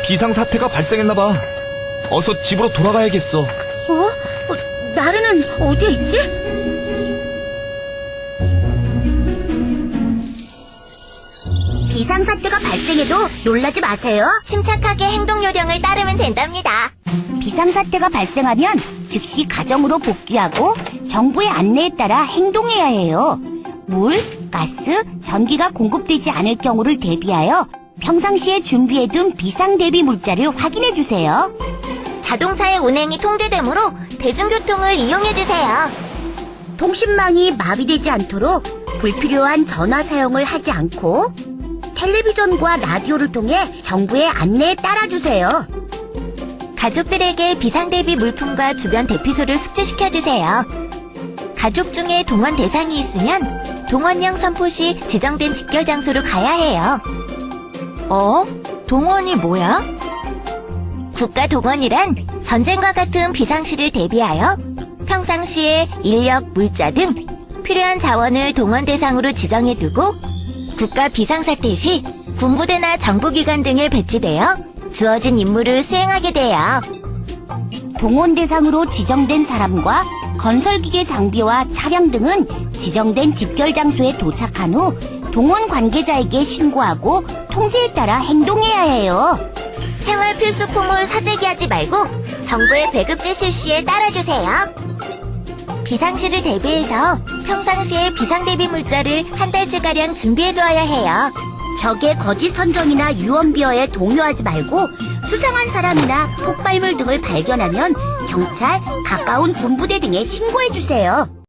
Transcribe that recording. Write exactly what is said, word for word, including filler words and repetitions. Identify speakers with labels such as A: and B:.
A: 비상사태가 발생했나봐. 어서 집으로 돌아가야겠어.
B: 어? 어, 나르는 어디에 있지? 비상사태가 발생해도 놀라지 마세요.
C: 침착하게 행동 요령을 따르면 된답니다.
B: 비상사태가 발생하면 즉시 가정으로 복귀하고 정부의 안내에 따라 행동해야 해요. 물, 가스, 전기가 공급되지 않을 경우를 대비하여 평상시에 준비해둔 비상대비 물자를 확인해주세요.
C: 자동차의 운행이 통제되므로 대중교통을 이용해주세요.
B: 통신망이 마비되지 않도록 불필요한 전화 사용을 하지 않고 텔레비전과 라디오를 통해 정부의 안내에 따라주세요.
C: 가족들에게 비상대비 물품과 주변 대피소를 숙지시켜주세요. 가족 중에 동원 대상이 있으면 동원령 선포 시 지정된 집결 장소로 가야 해요. 어? 동원이 뭐야? 국가동원이란 전쟁과 같은 비상시를 대비하여 평상시에 인력, 물자 등 필요한 자원을 동원 대상으로 지정해두고 국가 비상사태 시 군부대나 정부기관 등을 배치되어 주어진 임무를 수행하게 돼요.
B: 동원 대상으로 지정된 사람과 건설기계 장비와 차량 등은 지정된 집결 장소에 도착한 후 동원 관계자에게 신고하고 통제에 따라 행동해야 해요.
C: 생활 필수품을 사재기하지 말고 정부의 배급제 실시에 따라주세요. 비상시를 대비해서 평상시에 비상대비 물자를 한 달치가량 준비해두어야 해요.
B: 적의 거짓 선전이나 유언비어에 동요하지 말고 수상한 사람이나 폭발물 등을 발견하면 경찰, 가까운 군부대 등에 신고해주세요.